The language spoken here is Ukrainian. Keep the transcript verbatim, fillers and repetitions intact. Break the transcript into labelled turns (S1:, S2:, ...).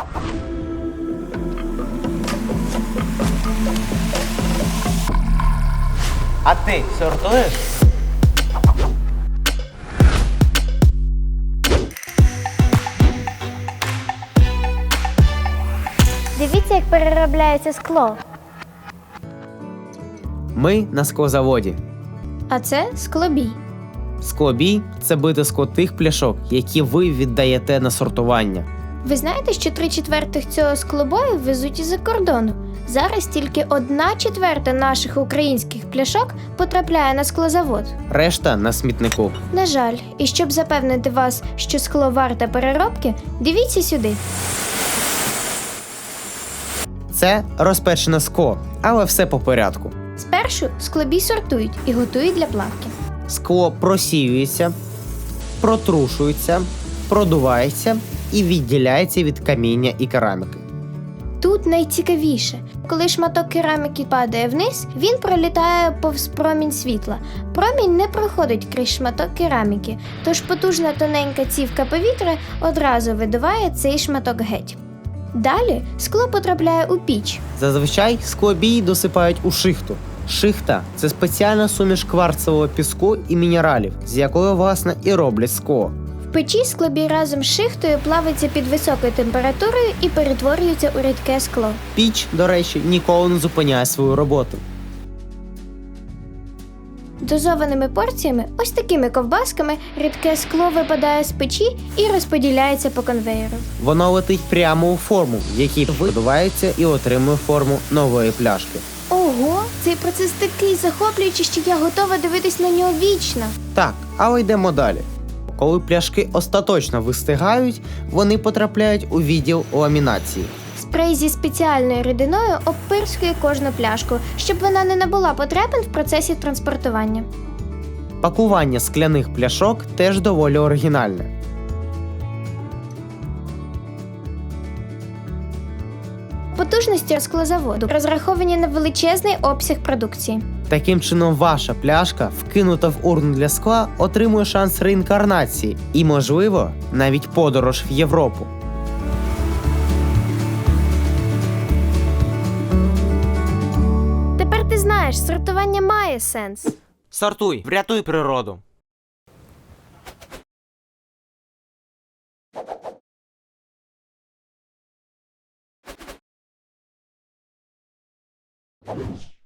S1: А ти сортуєш?
S2: Дивіться, як переробляється скло.
S3: Ми на склозаводі.
S2: А це склобій.
S3: Склобій – це битиско тих пляшок, які ви віддаєте на сортування.
S2: Ви знаєте, що три четвертих цього склобою везуть із-за кордону? Зараз тільки одна четверта наших українських пляшок потрапляє на склозавод.
S3: Решта на смітнику.
S2: На жаль, і щоб запевнити вас, що скло варте переробки, дивіться сюди.
S3: Це розпечене скло, але все по порядку.
S2: Спершу склобій сортують і готують для плавки.
S3: Скло просіюється, протрушується, продувається і відділяється від каміння і кераміки.
S2: Тут найцікавіше. Коли шматок кераміки падає вниз, він пролітає повз промінь світла. Промінь не проходить крізь шматок кераміки, тож потужна тоненька цівка повітря одразу видуває цей шматок геть. Далі скло потрапляє у піч.
S3: Зазвичай склобій досипають у шихту. Шихта – це спеціальна суміш кварцевого піску і мінералів, з якої, власне, і роблять скло.
S2: В печі склобій разом з шихтою плавиться під високою температурою і перетворюється у рідке скло.
S3: Піч, до речі, ніколи не зупиняє свою роботу.
S2: Дозованими порціями, ось такими ковбасками, рідке скло випадає з печі і розподіляється по конвеєру.
S3: Воно летить прямо у форму, в якій видувається і отримує форму нової пляшки.
S2: Ого, цей процес такий захоплюючий, що я готова дивитись на нього вічно.
S3: Так, але йдемо далі. Коли пляшки остаточно вистигають, вони потрапляють у відділ ламінації.
S2: Спрей зі спеціальною рідиною обпирскує кожну пляшку, щоб вона не набула потребин в процесі транспортування.
S3: Пакування скляних пляшок теж доволі оригінальне.
S2: Потужності склозаводу розраховані на величезний обсяг продукції.
S3: Таким чином, ваша пляшка, вкинута в урну для скла, отримує шанс реінкарнації і, можливо, навіть подорож в Європу.
S2: Тепер ти знаєш, сортування має сенс.
S1: Сортуй, врятуй природу.
S4: You